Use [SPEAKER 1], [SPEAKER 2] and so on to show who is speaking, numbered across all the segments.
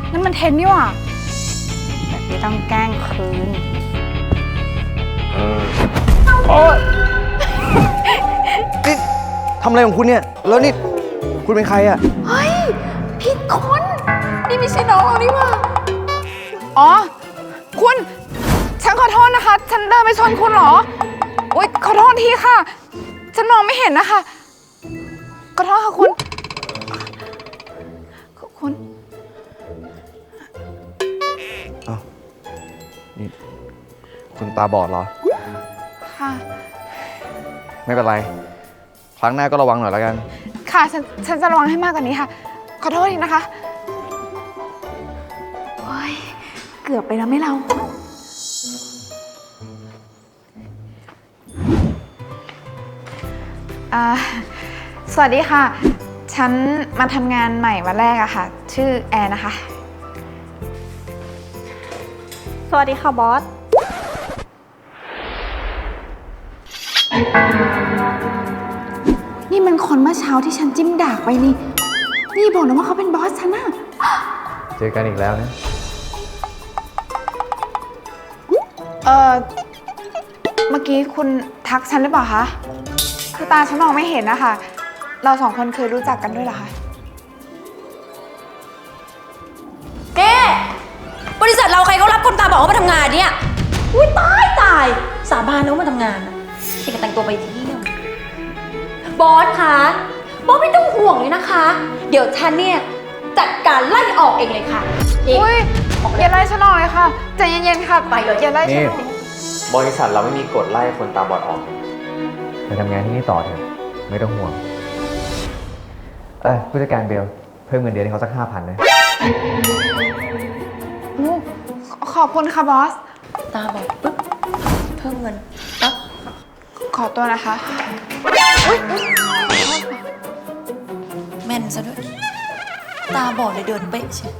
[SPEAKER 1] นั่นมันเทนนี่ว่ะแบบนี้ต้องแกล้งคืน
[SPEAKER 2] โอ๊ยนี่ทำอะไรของคุณเนี่ยแล้วนี่คุณเป็นใครอะ
[SPEAKER 1] เฮ้ยผิดคนนี่ไม่ใช่น้องเรานี่ว่ะอ๋อคุณฉันขอโทษนะคะฉันเดินไปชนคุณเหรออุ๊ยขอโทษทีค่ะฉันมองไม่เห็นนะคะขอโทษค่ะคุณ
[SPEAKER 2] อ้าวนี่คุณตาบอดเหรอ
[SPEAKER 1] ค่ะ
[SPEAKER 2] ไม่เป็นไรครั้งหน้าก็ระวังหน่อยแล้วกัน
[SPEAKER 1] ค่ะฉันจะระวังให้มากกว่านี้ค่ะขอโทษทีนะคะโอ๊ยเกือบไปแล้วไม่เราสวัสดีค่ะฉันมาทำงานใหม่วันแรกอะค่ะชื่อแอนนะคะ
[SPEAKER 3] สวัสดีค่ะบอส
[SPEAKER 1] นี่มันคนเมื่อเช้าที่ฉันจิ้มดากไปนี่บอกนะว่าเขาเป็นบอสฉันอะ
[SPEAKER 2] เจอกันอีกแล้วนะ
[SPEAKER 1] เมื่อกี้คุณทักฉันหรือเปล่าคะคือตาฉันมองไม่เห็นนะคะเราสองคนเคยรู้จักกันด้วยเหรอคะ
[SPEAKER 3] แกบริษัทเราใครเขารับคนตาบอดมาทำงานเนี่ยอุ้ยตายสาบานแล้วมาทำงานอะเด็กแต่งตัวไปเที่ยวบอสคะบอสไม่ต้องห่วงเลยนะคะเดี๋ยวฉันเนี่ยจัดการไล่ออกเองเลยค่ะ
[SPEAKER 1] อุ้ยอย่าไล่ฉันออกเลยค่ะใจเย็นๆค่ะ
[SPEAKER 3] ไปเลย
[SPEAKER 1] อย่าไล่ฉันออก
[SPEAKER 4] บริษัทเราไม่มีกฎไล่คนตาบอดออก
[SPEAKER 2] ไปทำงานที่นี่ต่อเถอะไม่ต้องห่วงผู้จัดการเบลเพิ่มเงินเดือนให้เขาสัก 5,000 นะ
[SPEAKER 1] ขอบคุณค่ะบอส
[SPEAKER 3] ตาบอดปึ๊บเพิ่มเงินปั๊บ
[SPEAKER 1] ขอตัวนะคะ
[SPEAKER 3] แม่นซะด้วยตาบอดเลยเดินเป๊ะใช่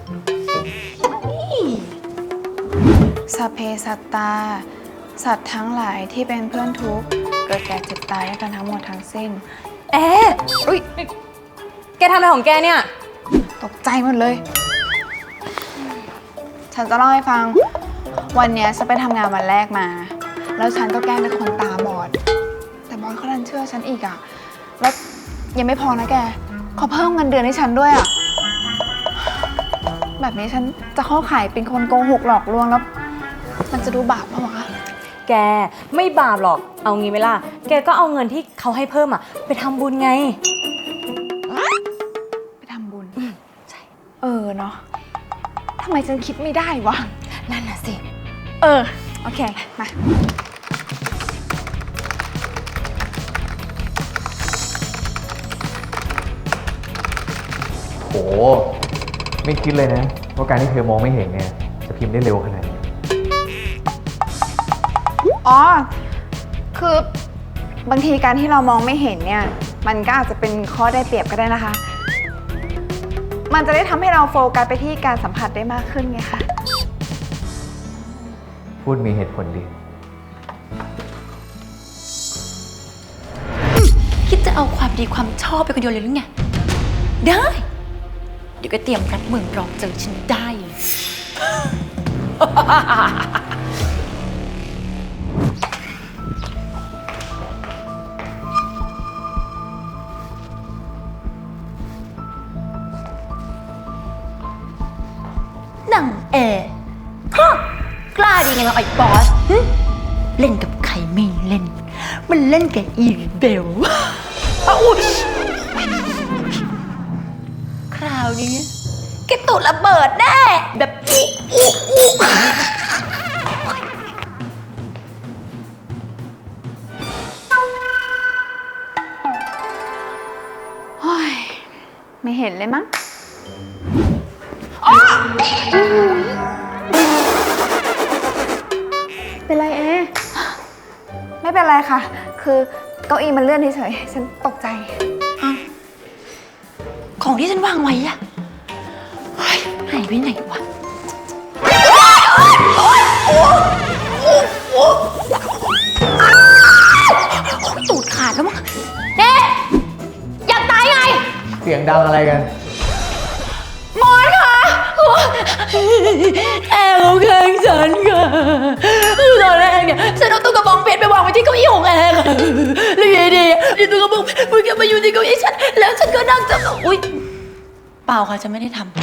[SPEAKER 1] สัพเพสัตตาสัตว์ทั้งหลายที่เป็นเพื่อนทุกข์เกิดแก่เจ็บตายด้วยกันทั้งหมดทั้งสิ้น
[SPEAKER 3] อุ้ยแกทำอะไรของแกเนี่ย
[SPEAKER 1] ตกใจหมดเลยฉันจะเล่าให้ฟังวันนี้ฉันไปทำงานวันแรกมาแล้วฉันก็แกล้งเป็นคนตาบอดแต่บอสเขาดันเชื่อฉันอีกอะแล้วยังไม่พอนะแกเขาเพิ่มเงินเดือนให้ฉันด้วยอะแบบนี้ฉันจะเข้าข่ายเป็นคนโกหกหลอกลวงแล้วมันจะดูบาปปะวะ
[SPEAKER 3] แกไม่บาปหรอกเอางี้ไหมล่ะแกก็เอาเงินที่เขาให้เพิ่มอะไปทำบุญไง
[SPEAKER 1] ไปทำบุญ
[SPEAKER 3] ใช่
[SPEAKER 1] เนาะทำไมฉันคิดไม่ได้วะ
[SPEAKER 3] นั่นน่ะสิ
[SPEAKER 1] โอเคมา
[SPEAKER 2] โหไม่คิดเลยนะว่าการที่เธอมองไม่เห็นเนี่ยจะพิมพ์ได้เร็วขนาดนี้
[SPEAKER 1] อ๋อคือบางทีการที่เรามองไม่เห็นเนี่ยมันก็อาจจะเป็นข้อได้เปรียบก็ได้นะคะมันจะได้ทำให้เราโฟกัสไปที่การสัมผัสได้มากขึ้นไงคะ
[SPEAKER 2] พูดมีเหตุผลดี
[SPEAKER 3] คิดจะเอาความดีความชอบไปคนเดียวเลยหรือไงได้เดี๋ยวก็เตรียมรับมือรอเจอฉันได้เลยนั่งกล้าดีไงเราไอ้บอสเล่นกับใครไม่เล่นมันเล่นกับอีเบลอุ๊ยคราวนี้แกตูดระเบิดแน่แบบอี
[SPEAKER 1] ไม่เห็นเลยมั้งเป็นไรไม่เป็นไรค่ะคือเก้าอี้มันเลื่อนเฉยๆฉันตกใจ
[SPEAKER 3] ของที่ฉันวางไว้อะหายไปไหนวะตูดขาดแล้วมั้งเด็กอยากตายไง
[SPEAKER 2] เสียงดังอะไรกัน
[SPEAKER 1] มอนค่ะ
[SPEAKER 3] แอร์เขาแกล้งฉันค่ะคือตอนแรกเนี่ยฉันเอาตุ๊กกระบองเพชรไปวางไว้ที่เก้าอี้ของแอร์ค่ะแล้วอยู่ดีๆนี่ตุ๊กกระบองเพชรมันก็มาอยู่ที่เก้าอี้ฉันแล้วฉันก็นั่งจับอุ๊ยเปล่าค่ะฉันไม่ได้ทำ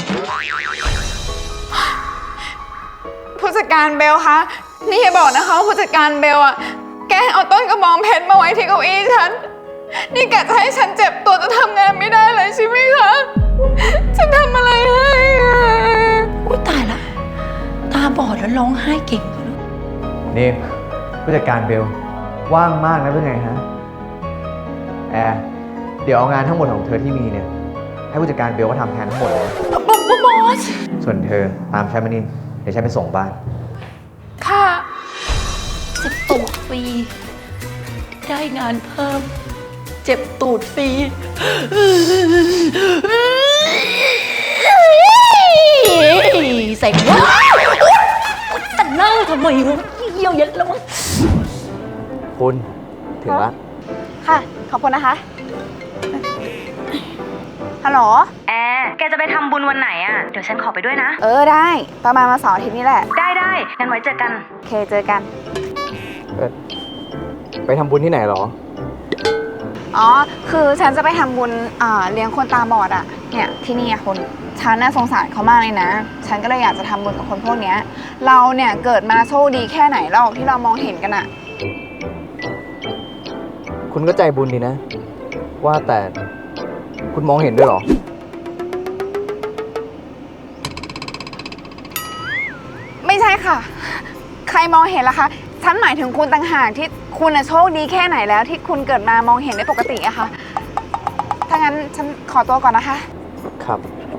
[SPEAKER 1] ผู้จัดการเบลคะนี่อย่าบอกนะคะว่าผู้จัดการเบลอะแกล้งเอาต้นกระบองเพชรมาไว้ที่เก้าอี้ฉันนี่กะจะให้ฉันเจ็บตัวจะทำงานไม่ได้เลยใช่ไหมคะฉันทำอะไรให้อะ
[SPEAKER 3] อุ๊ยตายละตาบอดแล้วร้องไห้เก่งด้วย
[SPEAKER 2] นี่ผู้จัดการเบลว่างมากนะเป็นไงฮะแอร์เดี๋ยวเอางานทั้งหมดของเธอที่มีเนี่ยให้ผู้จัดการเบลก็ทำแทนทั้งหมดเลย
[SPEAKER 3] บอส
[SPEAKER 2] ส่วนเธอตามฉันมานี่เดี๋ยวฉันไปส่งบ้าน
[SPEAKER 1] ค่ะ
[SPEAKER 3] เจ็บตูดฟรีได้งานเพิ่มเจ็บตูดฟรีใส่ว้าวแต่นั่งทำไมวะเยี่ยวเย็นแล้วมั้ง
[SPEAKER 2] คุณถึงละ
[SPEAKER 1] ค่ะ ขอบคุณนะคะ ฮัลโหล
[SPEAKER 5] แอร์แกจะไปทำบุญวันไหนอ่ะ เดี๋ยวฉันขอไปด้วยนะ
[SPEAKER 1] ได้ ประมาณวันเสาร์อาทิตย์นี้แหละ
[SPEAKER 5] ได้งั้นไว้เจอกัน
[SPEAKER 1] โอเค เจอกัน
[SPEAKER 2] ไปทำบุญที่ไหนหรอ
[SPEAKER 1] อ๋อ คือฉันจะไปทำบุญเลี้ยงคนตาบอดอะเนี่ยที่นี่อะคนฉันน่าสงสารเขามากเลยนะ ฉันก็เลยอยากจะทำบุญกับคนพวกเนี้ยเราเนี่ยเกิดมาโชคดีแค่ไหนหรอกที่เรามองเห็นกันอะ
[SPEAKER 2] คุณก็ใจบุญดีนะ ว่าแต่คุณมองเห็นด้วยหรอ
[SPEAKER 1] ไม่ใช่ค่ะ ใครมองเห็นล่ะคะ ฉันหมายถึงคุณต่างหากที่คุณโชคดีแค่ไหนแล้วที่คุณเกิดมามองเห็นได้ปกติอะค่ะ ถ้างั้นฉันขอตัวก่อนนะคะ
[SPEAKER 2] ครับ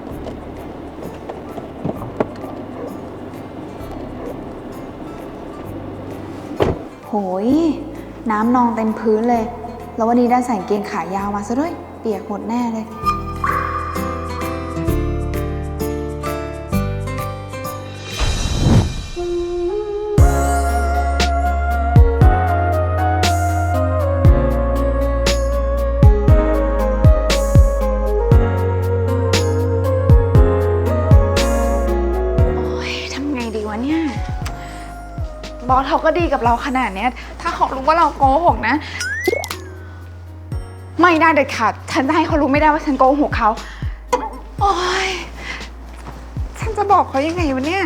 [SPEAKER 1] โหยน้ำนองเต็มพื้นเลย แล้ววันนี้ได้ใส่กางเกงขายาวมาซะด้วย เปียกหมดแน่เลย โอ๊ยทำไงดีวะเนี่ย บอสเขาก็ดีกับเราขนาดเนี้ย ถ้าเขารู้ว่าเราโกหกนะ ไม่ได้เด็ดขาด ฉันจะให้เขารู้ไม่ได้ว่าฉันโกหกเขา โอ๊ย ฉันจะบอกเขายังไงวะเนี่ย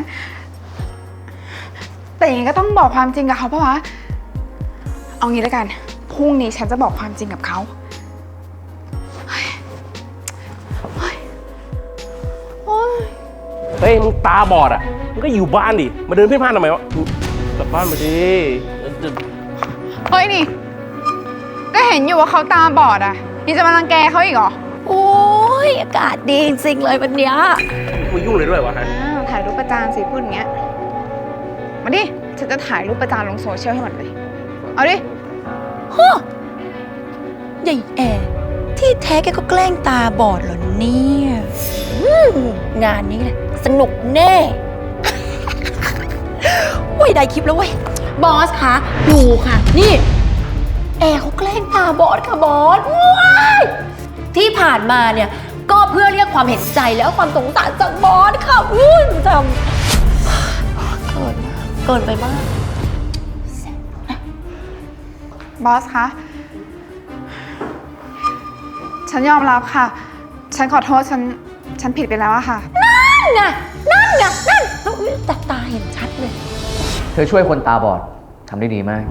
[SPEAKER 1] แต่อย่างนี้ก็ต้องบอกความจริงกับเขาปะวะ เอางี้แล้วกัน พรุ่งนี้ฉันจะบอกความจริงกับเขา
[SPEAKER 6] เฮ้ยมึงตาบอดอ่ะมึงก็อยู่บ้านดิ มาเดินเพ่นพ่านทำไมวะกลับบ้านมาดิ
[SPEAKER 1] เฮ้ยนี่ ก็เห็นอยู่ว่าเขาตาบอดอ่ะนี่จะมารังแกเขาอีกเหรอ
[SPEAKER 3] โอ้ยอากาศดีจริงๆเลยวันเนี้ย
[SPEAKER 6] มึงยุ่งเลยด้วยวะฮะ
[SPEAKER 1] อ้าวถ่ายรูปประจานสิพูดอย่างเงี้ย มาดิ ฉันจะถ่ายรูปประจานลงโซเชียลให้หมดเลย เอาดิ
[SPEAKER 3] ใหญ่แอร์ที่แท้แกก็แกล้งตาบอดเหรอเนี่ยงานนี้เลยสนุกแน่ เว้ยได้คลิปแล้วเว้ย บอสคะดูค่ะ นี่ แอร์เขาแกล้งตาบอดค่ะบอสว้ายที่ผ่านมาเนี่ย ก็เพื่อเรียกความเห็นใจแล้วความสงสารจากบอสค่ะทำเกินไปมาก
[SPEAKER 1] บอสคะ ฉันยอมรับค่ะ ฉันขอโทษ ฉันผิดไปแล้วอะค่ะ
[SPEAKER 3] นั่นไงแต่ตาเห็นชัดเลย
[SPEAKER 2] เธอช่วยคนตาบอดทำได้ดีมาก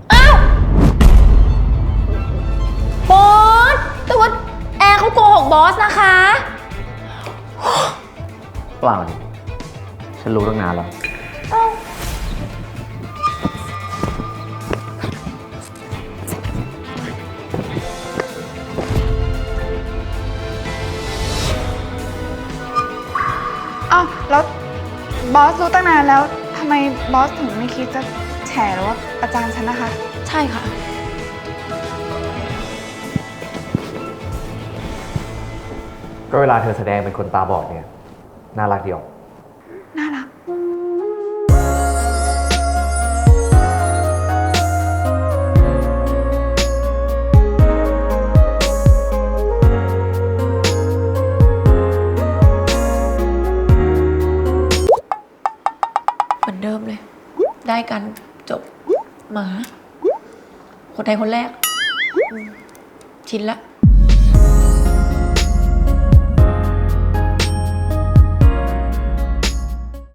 [SPEAKER 3] บอส แต่ว่าแอร์เขาโกหกบอสนะคะ
[SPEAKER 2] เปล่าดิฉันรู้ตั้งนานแล้ว
[SPEAKER 1] อ้าว แล้วบอสรู้ตั้งนานแล้วทำไมบอสถึงไม่คิดจะแฉหรือว่าประจานฉันนะคะ
[SPEAKER 3] ใช่ค่ะ
[SPEAKER 2] ก็เวลาเธอแสดงเป็นคนตาบอดเนี่ย น่ารักดีออก
[SPEAKER 3] เหมือนเดิมเลย ได้กันจบหมา คนไทยคนแรกชินละ